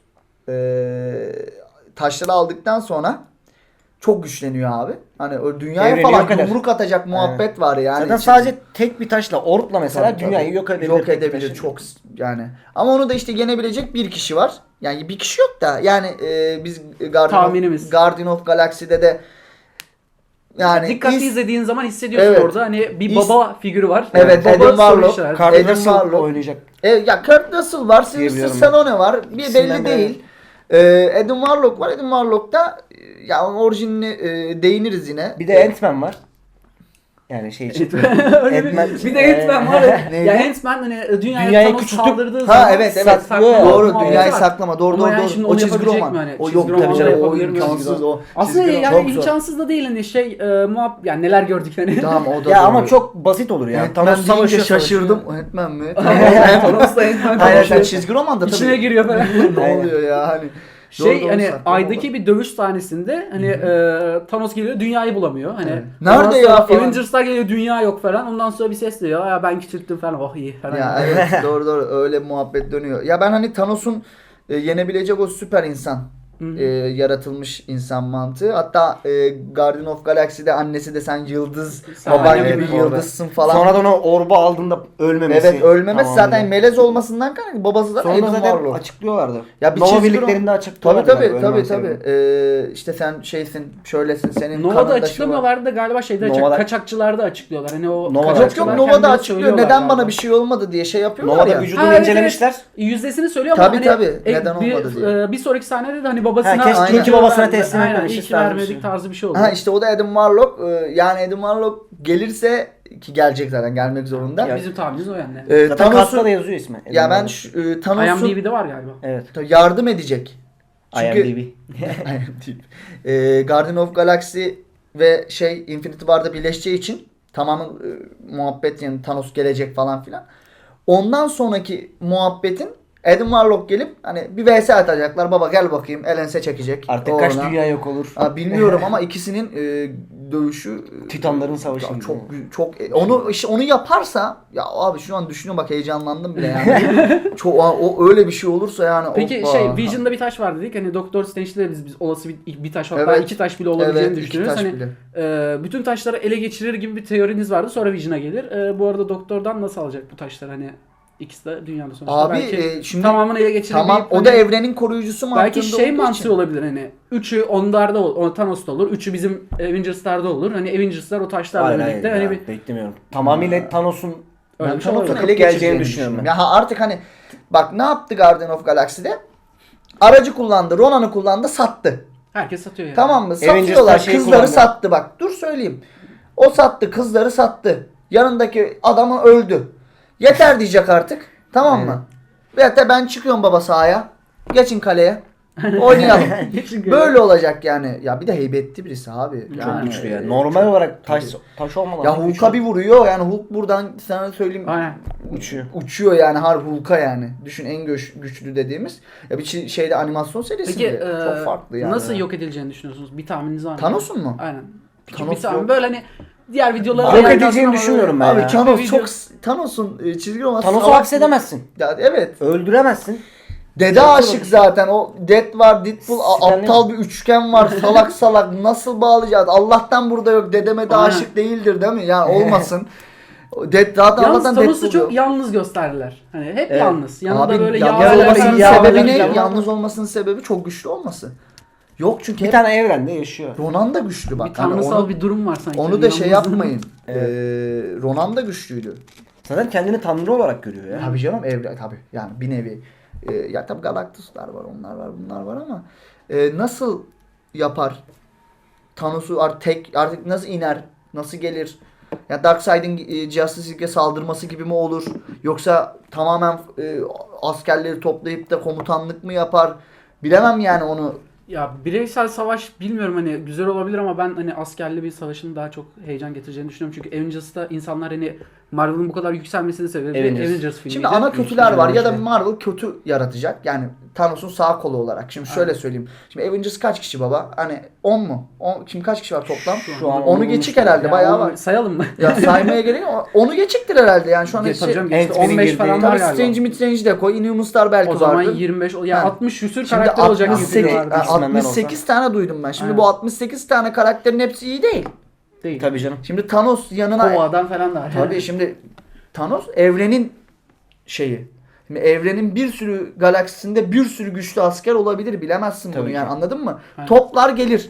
S3: taşları aldıktan sonra çok güçleniyor abi. Hani o dünyaya
S2: Evreni
S3: falan
S2: yok eder.
S3: yumruk atacak muhabbet var yani.
S2: Zaten
S3: İçinde-
S2: sadece tek bir taşla, orkla mesela
S3: Tabii,
S2: dünyayı
S3: tabii.
S2: yok edebilir.
S3: Yok
S2: tek bir
S3: edebilir
S2: taşla.
S3: çok yani. Ama onu da işte yenebilecek bir kişi var. Yani bir kişi yok da yani biz
S1: Tahminimiz.
S3: Guardian of Galaxy'de de yani
S1: Dikkatli izlediğin zaman hissediyorsun
S3: Evet.
S1: orada hani bir baba figürü var.
S3: Evet,
S1: baba
S3: Adam
S1: soru
S3: Warlock.
S1: işareti.
S2: Carl
S3: Adam
S2: Russell
S3: Warlock.
S2: oynayacak.
S3: Ya Kurt Russell var, Sylvester
S2: Diyebiliyorum
S3: Stallone var. Bir
S2: İkisinden
S3: belli
S2: biri.
S3: değil. Adam Warlock var. Adam Warlock da ya onun orijinine değiniriz yine.
S2: Bir de Ant-Man var. Yani şey için.
S1: Öyle bir de Ant-Man var.
S3: Neydi?
S1: Ya Ant-Man hani dünyaya
S2: Dünyayı
S1: Thanos
S2: küçültüp-
S1: saldırdığı
S3: Ha
S1: zaman
S3: evet
S2: saklıyor.
S3: doğru
S1: muhabbeti
S3: dünyayı
S1: var.
S3: saklama doğru
S1: Ama
S3: doğru
S1: yani
S3: doğru.
S1: şimdi
S3: O
S1: onu
S3: çizgi
S1: yapabilecek
S3: roman.
S1: mi hani?
S3: O
S1: Çizgi
S3: yok
S1: roman
S3: tabii canım o
S1: yapabilir mi?
S3: imkansız o.
S1: Aslında
S3: Çizgi roman
S1: yani
S3: çok zor.
S1: imkansız da değil hani yani neler gördük hani.
S3: Tamam o da
S2: Ya
S3: doğru.
S2: ama çok basit olur ya.
S3: Ant-Man
S2: Thanos
S3: deyince
S2: savaşıyor,
S3: şaşırdım. Ant-Man mi?
S1: Thanos'la Ant-Man
S3: Hayır sen
S1: konuşuyor.
S3: çizgi romanda tabii.
S1: İçine giriyor falan.
S3: Ne oluyor ya hani.
S1: Şey
S3: Doğru,
S1: hani
S3: saklama
S1: aydaki
S3: olur.
S1: bir dövüş sahnesinde hani Thanos geliyor dünyayı bulamıyor. Hani
S3: Evet.
S1: ondan
S3: Nerede
S1: sonra
S3: ya falan.
S1: Avengers'lar geliyor dünya yok falan. Ondan sonra bir ses diyor. Ya ben küçülttüm falan. Oh iyi falan.
S3: Ya evet doğru doğru öyle muhabbet dönüyor. Ya ben hani Thanos'un yenebilecek o süper insan yaratılmış insan mantığı. Hatta Guardian of Galaxy'de annesi de sen yıldız
S1: Sen
S3: baban
S1: anne
S3: gibi
S1: gibi
S3: yıldızsın falan.
S2: Sonradan o orba aldığında ölmemesi.
S3: Evet ölmemesi
S2: tamamıyla.
S3: zaten melez olmasından kaynaklı. Babası da
S2: Sonra
S3: Aiden
S2: zaten
S3: Warlock.
S2: açıklıyorlardı.
S3: Ya bir
S2: Nova
S3: çizgi
S2: birliklerinde
S3: roman-
S2: açıklıyorlardı.
S3: Tabii
S2: galiba
S3: tabii
S2: ölmem
S3: tabii.
S2: sebebini.
S3: İşte sen şeysin şöylesin senin
S1: Nova'da
S3: kanında şu var.
S1: açıklamıyorlardı da galiba şeyde
S2: Nova'da-
S1: kaçakçılarda açıklıyorlar. Hani o
S2: Nova'da
S3: Yok
S1: kaçakçılar
S3: yok Nova'da
S1: kendileri
S3: açıklıyor.
S1: söylüyorlar
S3: Neden bana
S1: galiba.
S3: bir şey olmadı diye şey yapıyorlar
S2: Nova'da
S3: ya.
S2: vücudunu
S1: Ha, evet,
S2: incelemişler.
S1: Yüzdesini söylüyor ama
S3: Tabii,
S1: hani
S3: tabii. Neden olmadı diye.
S1: bir sonraki sahnede de hani babasına
S2: Ha, keşke
S3: iyi ki
S2: babasına teslim
S1: Aynen,
S2: etmemişiz
S1: iyi ki
S2: tarzı bir
S1: vermedik
S2: şey.
S1: tarzı bir şey oldu.
S3: Ha işte o da Adam Warlock. Yani Adam Warlock gelirse ki gelecek zaten gelmek zorunda.
S2: Ya,
S1: Bizim tahminimiz o yani.
S2: Zaten kasta da yazıyor ismi.
S3: Ya ben
S2: Adam
S3: Thanos'un
S1: IMDb'de var galiba.
S2: Evet.
S3: yardım edecek. Çünkü
S2: IMDb.
S3: IMDb. Guardian of Galaxy ve Infinity War'da birleşeceği için tamamen muhabbet yani Thanos gelecek falan filan. Ondan sonraki muhabbetin Adam Warlock gelip hani bir vs atacaklar. Baba gel bakayım. Elense çekecek.
S2: Artık kaç
S3: Uğruna.
S2: dünya yok olur.
S3: Bilmiyorum ama ikisinin dövüşü
S2: Titanların savaşı
S3: ya
S2: gibi.
S3: çok onu yaparsa ya abi şu an düşünüyorum bak heyecanlandım bile yani. O öyle bir şey olursa yani
S1: Peki
S3: hoppa.
S1: Vision'da bir taş var dedik. Hani Doktor Strange'de de biz olası bir taş hatta
S3: Evet.
S1: iki taş bile olabileceğini
S3: Evet, iki
S1: düşünüyoruz.
S3: taş
S1: Hani
S3: bile.
S1: bütün taşları ele geçirir gibi bir teoriniz vardı. Sonra Vision'a gelir. Bu arada Doktor'dan nasıl alacak bu taşları hani ikisi de dünyada sonuçta.
S3: Abi
S1: belki
S3: şimdi
S1: tamamını ele geçirebilip
S3: tamam o
S1: hani
S3: da evrenin koruyucusu mantığında
S1: belki şey
S3: olduğu
S1: mantığı
S3: için.
S1: olabilir hani. Üçü onlarda Thanos'ta olur. Üçü bizim Avengers'larda olur. Hani Avengers'lar o taşlarla
S2: Hayır
S1: birlikte
S2: hayır
S1: hani
S2: ya, beklemiyorum. Tamamıyla Thanos'un
S1: öyle
S3: Ben
S1: bir şey
S3: Thanos'un
S1: olabilir.
S3: ele
S2: geleceğini
S3: geçireceğini
S2: düşünüyorum
S3: düşünüyorum. Ya artık hani bak ne yaptı Guardian of Galaxy'de? Aracı kullandı, Ronan'ı kullandı, sattı.
S1: Herkes satıyor yani.
S3: Tamam mı?
S2: Avengers'lar
S3: Satıyorlar.
S2: şeyi
S3: Kızları
S2: kullandı.
S3: sattı bak. Dur söyleyeyim. O sattı, kızları sattı. Yanındaki adamı öldü. Yeter diyecek artık. Tamam mı? Ve hatta ben çıkıyorum baba sahaya. Geçin kaleye. Oynayalım.
S1: Geçin
S3: Böyle olacak yani. Ya bir de heybetli birisi abi.
S2: çok
S3: Yani,
S2: güçlü ya. Normal olarak taş olmadan.
S3: Ya Hulk'a bir vuruyor. Yani Hulk buradan sana söyleyeyim.
S1: Aynen.
S2: uçuyor.
S3: Uçuyor yani harbi Hulk'a yani. Düşün en güçlü dediğimiz. Ya bir şeyde animasyon serisinde
S1: Peki
S3: çok farklı yani.
S1: nasıl yok edileceğini düşünüyorsunuz? Bir tahmininiz var mı?
S3: Thanos'un mu?
S1: Aynen. Küçük
S3: Thanos
S1: bir tahmin.
S3: yok.
S1: Böyle hani diğer videolara
S2: Yok
S1: yayınlansın
S2: edeceğini
S1: ama
S2: düşünmüyorum
S1: böyle-
S2: ben
S3: Abi
S2: ya.
S3: Thanos
S1: Video-
S3: çok Thanos'un çizgi roman
S2: Thanos'u
S3: salak-
S2: hapsedemezsin.
S3: Ya evet.
S2: Öldüremezsin.
S3: Dede aşık zaten. O Dead var, Deadpool
S2: Stanley
S3: aptal bir üçgen var. Salak salak nasıl bağlayacağız? Allah'tan burada yok. Dedeme de
S1: Aynen.
S3: aşık değildir değil mi? Yani olmasın. Dead zaten
S1: Yalnız
S3: Allah'tan
S1: Thanos'u
S3: Deadpool
S1: çok
S3: yok.
S1: yalnız gösterdiler. Hani hep
S2: Evet.
S1: yalnız. Yanında
S3: Abi
S1: böyle
S3: yalnız
S1: yağ
S3: olmasının
S2: yağ-
S3: sebebi ne?
S2: yağ-
S3: Yalnız olmasının sebebi çok güçlü olması. Yok çünkü
S2: Bir
S3: hep
S2: tane evrende yaşıyor.
S3: Ronan da güçlü bak.
S1: bir
S3: Hani
S1: tanrısal
S3: onu,
S1: bir durum var sanki.
S3: onu da şey
S1: Yalnızlığın-
S3: yapmayın.
S2: Evet.
S3: Ronan da güçlüydü.
S2: Zaten kendini tanrı olarak görüyor ya.
S3: Tabii canım evre tabii yani bir nevi. Ya tabii Galactus'lar var, onlar var, bunlar var ama nasıl yapar? Thanos'u artık nasıl iner? Nasıl gelir? Ya Darkseid'in Justice League'e saldırması gibi mi olur? Yoksa tamamen askerleri toplayıp da komutanlık mı yapar? Bilemem yani onu.
S1: Ya bireysel savaş bilmiyorum hani güzel olabilir ama ben hani askerli bir savaşın daha çok heyecan getireceğini düşünüyorum. Çünkü Avengers'ta insanlar hani Marvel'ın bu kadar yükselmesini sebebi Avengers filmiydi.
S3: Şimdi ana kötüler var ya da
S2: şey.
S3: Marvel kötü yaratacak. Yani Thanos'un sağ kolu olarak. Şimdi şöyle söyleyeyim. Şimdi Avengers kaç kişi baba? Hani 10 mu? Şimdi kaç kişi var toplam?
S2: Şu an
S3: Onu geçik herhalde
S1: Ya
S3: bayağı
S1: onu
S3: var.
S1: sayalım mı?
S3: Ya saymaya gerek yok. Onu geçiktir herhalde yani şu an.
S1: Ya tabii canım,
S2: Ant-Man'in
S1: işte 15
S2: girdiği-
S1: falan var
S3: Tabii
S1: galiba.
S3: Strange Midrange'i de koy. Inhumans'lar belki
S1: O zaman
S3: vardır.
S1: 25 ya
S3: Ha.
S1: 60 küsür
S3: Şimdi
S1: karakter olacak gibi
S3: 68,
S1: diyorlardı.
S2: X-Men'den
S3: 68 tane duydum ben. Şimdi
S1: Aynen.
S3: bu 68 tane karakterin hepsi iyi değil.
S1: Değil.
S2: Tabii canım.
S3: Şimdi Thanos yanına...
S1: Kova'dan falan da var.
S3: Tabii şimdi Thanos evrenin şeyi. Şimdi evrenin bir sürü galaksisinde bir sürü güçlü asker olabilir. Bilemezsin bunu
S2: Tabii
S3: yani
S2: ki.
S3: anladın mı?
S1: Aynen.
S3: Toplar gelir.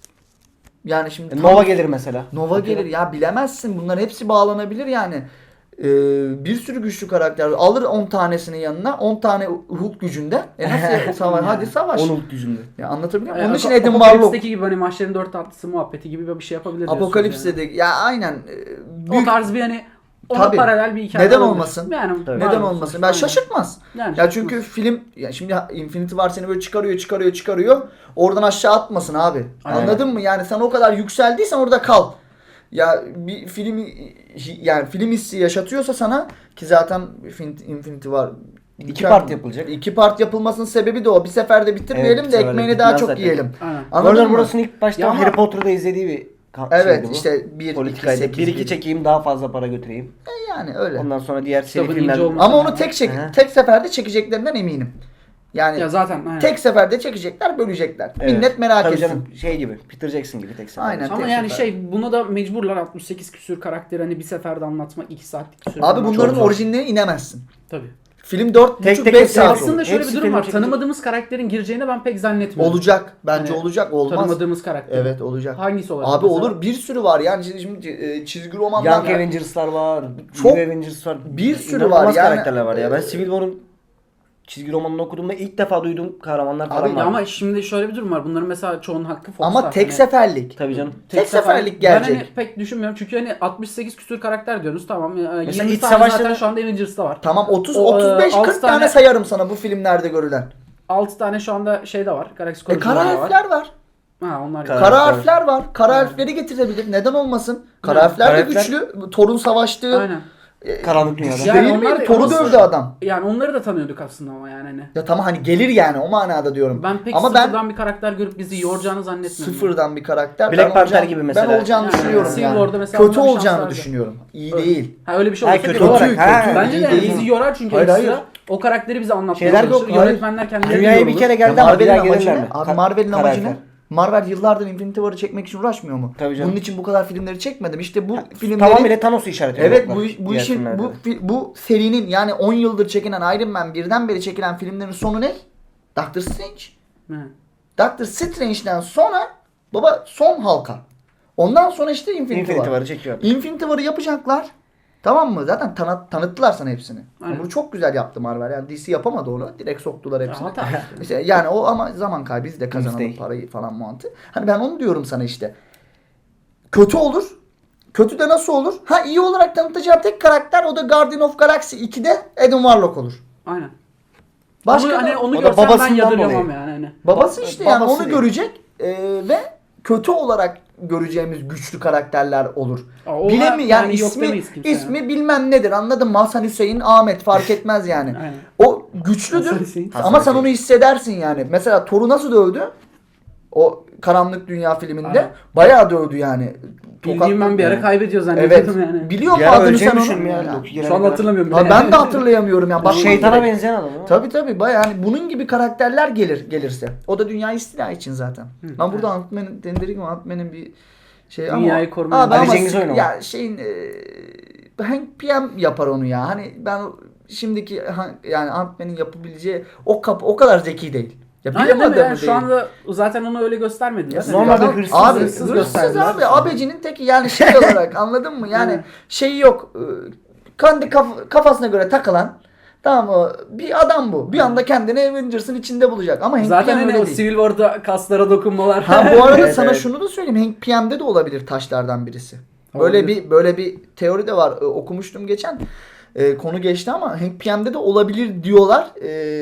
S3: Yani şimdi
S2: Nova gelir mesela.
S3: Nova gelir ya bilemezsin. Bunların hepsi bağlanabilir yani. Bir sürü güçlü karakter alır 10 tanesinin yanına 10 tane Hulk gücünde. Nasıl savaş? Hadi savaş.
S2: 10 Hulk yüzünde.
S3: Ya anlatabiliyor muyum?
S1: Yani
S3: Onun için Adam Warlock.
S1: Apokalips'teki gibi hani maçların 4 tatlısı muhabbeti gibi bir şey yapabilir diyorsunuz
S3: Apokalips'te
S1: yani.
S3: de ya aynen.
S1: O tarz bir hani ona
S3: Tabii.
S1: paralel bir hikaye
S3: Neden
S1: olabilir.
S3: olmasın?
S1: Yani
S2: Tabii.
S3: Neden
S1: var
S3: olmasın?
S1: sonuçta,
S3: Ben
S1: aynen.
S3: şaşırtmaz.
S1: Yani
S3: Ya çünkü film ya şimdi Infinity War seni böyle çıkarıyor. Oradan aşağı atmasın abi.
S1: Aynen.
S3: Anladın mı? Yani sen o kadar yükseldiysen orada kal. Ya bir film yani film hissi yaşatıyorsa sana ki zaten Infinity War
S2: 2 part yapılacak.
S3: 2 part yapılmasının sebebi de o. Bir seferde bitirmeyelim
S2: Evet, bir
S3: de
S2: seferde
S3: ekmeğini daha
S2: bitmez
S3: çok
S2: zaten.
S3: yiyelim.
S1: Aynen.
S3: Anladın
S2: Warner
S3: mı?
S2: Bros'un ilk başta
S1: Ya ama-
S2: Harry Potter'da izlediği bir
S3: Evet
S2: şeydi bu.
S3: işte 1 2
S2: politikaydı.
S3: 8
S2: 1-2 çekeyim daha fazla para götüreyim.
S3: yani öyle.
S2: Ondan sonra diğer seri
S1: Kitabın
S2: filmler.
S1: ince olması.
S3: Ama onu
S1: Hı
S2: hı.
S3: tek seferde çekeceklerinden eminim. Yani
S1: Ya zaten aynen.
S3: tek seferde çekecekler, bölecekler.
S2: Evet.
S3: Millet merak
S2: Tabii
S3: etsin.
S2: canım, şey gibi Peter Jackson gibi tek seferde.
S3: Aynen.
S1: Ama
S3: tek
S1: yani
S3: sefer.
S1: buna da mecburlar 68 küsür karakteri hani bir seferde anlatmak 2 saatlik süre.
S3: Abi
S1: anlatmak.
S3: bunların
S2: zor.
S3: orijinaline inemezsin.
S1: Tabii.
S3: Film 4,5-5
S2: Tek
S3: saat
S2: tek
S3: olur.
S1: Aslında şöyle
S2: Hepsi
S1: bir durum
S2: film
S1: var.
S2: çekilecek.
S1: Tanımadığımız karakterin gireceğini ben pek zannetmiyorum.
S3: Olacak. Bence
S1: Yani
S3: olacak. Olmaz.
S1: Tanımadığımız karakter.
S3: Evet olacak.
S1: Hangisi olacak?
S3: Abi
S1: mesela?
S3: olur bir sürü var yani şimdi çizgi romanlar
S2: Young Avengers'lar var.
S3: Çok-
S2: New Avengers var.
S3: bir sürü
S2: İnanılmaz
S3: var yani.
S2: karakterler var ya. Ben Civil War'un çizgi romanını okuduğumda ilk defa duyduğum kahramanlar falan
S3: Abi
S2: var.
S1: Ya ama şimdi şöyle bir durum var. Bunların mesela çoğunun hakkı Fox'ta.
S3: ama tek
S1: Hani
S3: seferlik.
S2: Tabii canım.
S3: Tek seferlik
S1: Ben
S3: gelecek.
S1: hani pek düşünmüyorum. Çünkü hani 68 küsür karakter diyorsunuz. Tamam. 20
S2: iç
S1: tane
S2: savaşta
S1: zaten
S2: da-
S1: şu anda Avengers'ta var.
S3: Tamam 30
S1: O,
S3: 35
S1: altı
S3: 40 tane
S1: tane
S3: sayarım sana bu filmlerde görülen.
S1: 6 tane şu anda şey de var. Galaxy
S3: Kara
S1: Correction'da var.
S3: harfler var.
S1: Ha onlar
S2: Kara-
S3: Kara
S2: harfler.
S3: harfler var. Kara harfleri getirebilir. Neden olmasın? Kara
S1: Yani
S3: harfler de
S2: kara harfler-
S3: güçlü. Thor'un savaştığı.
S1: Aynen.
S2: Karanlık dünyada.
S1: Ya-
S3: Değil
S1: Yani onlar
S3: mi?
S1: da-
S3: Thor'u
S1: ama-
S3: dövdü adam.
S1: Yani onları da tanıyorduk aslında ama yani hani.
S3: Ya tamam hani gelir yani o manada diyorum.
S1: Ben pek
S3: Ama ben
S1: sıfırdan bir karakter görüp bizi yoracağını zannetmiyorum.
S3: sıfırdan bir karakter.
S2: Black
S3: ben
S2: Panther
S3: olacağını-
S2: gibi mesela.
S3: Ben olacağını
S1: Yani
S3: düşünüyorum
S1: Civil
S3: yani.
S1: War'da mesela
S3: Kötü
S1: onların
S3: olacağını
S1: şansları.
S3: düşünüyorum. İyi
S1: Öyle.
S3: değil.
S1: Ha öyle bir şey
S2: Ha,
S1: olursa
S2: kötü
S1: kötü
S2: olarak.
S1: olur.
S2: Ha,
S1: Bence
S3: iyi
S1: de
S3: değil.
S1: bizi yorar çünkü
S3: Hayır,
S1: ekstra
S3: hayır.
S1: o karakteri bize anlatmaya
S2: Şeyler yok,
S1: çalışır.
S2: hayır.
S1: Yönetmenler kendileri
S2: Dünyaya bir
S1: yorulur.
S2: kere
S3: Ya
S2: geldi ama bir daha
S3: Marvel'in amacı
S2: gelirler
S3: ne?
S2: mi?
S3: Abi Marvel'in amacı ne?
S2: Karakter.
S3: Marvel yıllardır Infinity War'ı çekmek için uğraşmıyor mu?
S2: Tabii canım.
S3: Bunun için bu kadar filmleri çekmedim. İşte bu filmleri
S2: Tamamıyla Thanos'u işaret ediyor.
S3: evet
S2: bak,
S3: bu
S2: diğer
S3: işin
S2: filmlerde.
S3: bu serinin yani 10 yıldır çekilen Iron Man 1'den beri çekilen filmlerin sonu ne? Doctor Strange.
S1: He.
S3: Doctor Strange'den sonra baba son halka. Ondan sonra işte Infinity
S2: Infinity
S3: War.
S2: War'ı çekiyor.
S3: Infinity War'ı yapacaklar. Tamam mı? Zaten tanıttılar sana hepsini.
S1: Aynen.
S3: Bunu çok güzel yaptı Marvel. Yani DC yapamadı onu. Direkt soktular hepsini.
S1: hata.
S3: İşte yani o ama zaman kaybı biz de kazanalım
S2: Mistake.
S3: parayı falan mantığı. Hani ben onu diyorum sana işte. Kötü olur. Kötü de nasıl olur? Ha iyi olarak tanıtacağı tek karakter o da Guardian of Galaxy 2'de Adam Warlock olur.
S1: Aynen.
S3: Başka
S1: onu,
S3: da-
S1: hani onu
S2: o da
S1: görsem ben
S2: babasından
S1: yadırgamam
S2: dolayı.
S1: yani. Hani.
S3: babası işte yani
S2: babası
S3: onu
S2: değil.
S3: görecek ve kötü olarak göreceğimiz güçlü karakterler olur.
S1: Ona
S3: Bilemi yani
S1: yok
S3: ismi
S1: demeyiz kimse
S3: ismi bilmem nedir anladın mı? Hasan Hüseyin Ahmet fark etmez yani.
S1: Aynen.
S3: O güçlüdür
S1: Hasan Hüseyin.
S3: ama
S2: Hasan
S3: sen onu hissedersin yani. Mesela Thor'u nasıl dövdü? O Karanlık Dünya filminde
S1: Aynen.
S3: bayağı dövdü yani.
S1: Bildiğim ben bir ara
S3: yani.
S1: kaybediyor
S3: Evet.
S1: zannediyordum yani.
S3: Biliyor musun
S2: Bir ara
S3: adını sen
S2: öleceğimi
S3: onu?
S2: düşündüm ya.
S3: Ya.
S2: Loki gelene
S1: Şu an
S2: kadar.
S1: hatırlamıyorum.
S3: Ha,
S1: bile
S3: ben
S1: yani.
S3: de hatırlayamıyorum ya. Bak
S2: Şeytana benzeyen adam ama.
S3: Tabii bayağı yani bunun gibi karakterler gelirse. O da dünya istila için zaten. Ben burada Ant-Man'in dendirik mi Ant-Man'in bir şey
S1: Dünyayı
S3: ama
S1: korumaya-
S3: abi
S2: Ali
S3: ama
S2: Cengiz oynamış.
S3: ya şeyin Hank PM yapar onu ya. Hani ben şimdiki yani Ant-Man'in yapabileceği o kadar zeki değil. Ya
S1: Aynen
S3: bilim
S1: değil mi?
S3: adamı
S1: Yani
S3: değil.
S1: şu anda zaten onu öyle göstermediler.
S3: Ya
S2: Normalde
S3: adam-
S2: hırsız,
S3: abi
S1: hırsız
S3: hırsız
S1: gösterdiler.
S3: abi abecinin teki yani şey olarak anladın mı? Yani
S1: Evet.
S3: şeyi yok. Kendi kafasına göre takılan tamam mı? Bir adam bu. Bir anda kendini Avengers'ın içinde bulacak. Ama Hank
S1: Zaten
S3: PM
S1: hani
S3: öyle
S1: o
S3: değil.
S1: Civil War'da kaslara dokunmalar.
S3: Ha bu arada
S2: Evet,
S3: sana
S2: evet.
S3: şunu da söyleyeyim. Hank PM'de de olabilir taşlardan birisi.
S1: Olabilir.
S3: Böyle bir teori de var. Okumuştum geçen. Konu geçti ama Hank PM'de de olabilir diyorlar.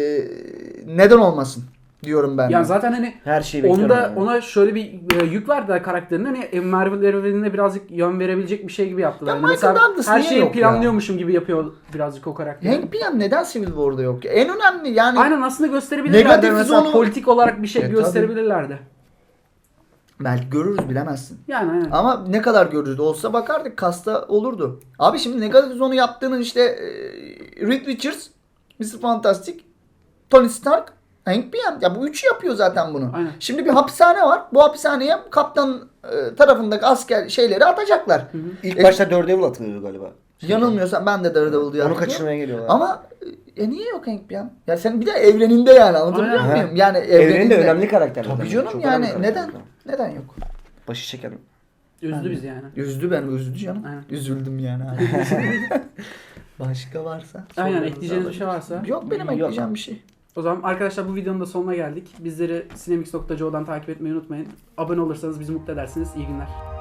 S3: Neden olmasın diyorum ben.
S1: Yani
S3: de.
S1: zaten hani
S2: Her şeyi bekliyorum.
S1: onda
S2: yani.
S1: ona şöyle bir yük verdiler karakterine hani Marvel evrenine birazcık yön verebilecek bir şey gibi yaptılar.
S3: Ya
S1: Yani
S3: Michael
S1: mesela
S3: Douglas
S1: her
S3: niye
S1: şeyi
S3: yok ya?
S1: planlıyormuşum gibi yapıyor birazcık o karakter.
S3: Hank PM neden Civil War'da yok? Ya? En önemli yani
S1: Aynen aslında gösterebilirlerdi.
S3: Negatif
S1: Mesela
S3: zonu-
S1: politik olarak bir şey
S3: tabii.
S1: gösterebilirlerdi.
S3: belki görürüz bilemezsin.
S1: Yani aynen.
S3: Ama ne kadar görürüz olsa bakardık kasta olurdu. Abi şimdi negatif zonu yaptığının işte Reed Richards, Mr. Fantastic, Tony Stark, Hank PM. Ya bu üçü yapıyor zaten bunu.
S1: Aynen.
S3: Şimdi bir hapishane var. Bu hapishaneye kaptan tarafındaki asker şeyleri atacaklar.
S2: İlk başta Daredevil atılıyordu galiba.
S3: Yanılmıyorsam ben de Daredevil diye
S2: Onu
S3: hatırlıyorum.
S2: kaçırmaya geliyorlar.
S3: Ama niye yok Hank PM? Ya sen bir de evreninde yani anlatabiliyor
S1: Aynen.
S3: muyum? Yani
S2: Evrenin de önemli karakterler.
S3: Tabii canım
S2: Çok
S3: yani
S2: önemli
S3: neden?
S2: karakterler.
S3: Neden yok?
S2: Başı çekelim.
S1: Üzdü bizi yani.
S3: Üzdü canım.
S1: Aynen.
S3: Üzüldüm yani. Başka varsa.
S1: Aynen,
S3: sorularınızı
S1: ekleyeceğiniz bir şey
S3: alabiliriz.
S1: varsa.
S3: Yok benim
S2: Yok.
S3: ekleyeceğim bir şey.
S1: O zaman arkadaşlar bu videonun da sonuna geldik. Bizleri sinemix.co'dan takip etmeyi unutmayın. Abone olursanız bizi mutlu edersiniz. İyi günler.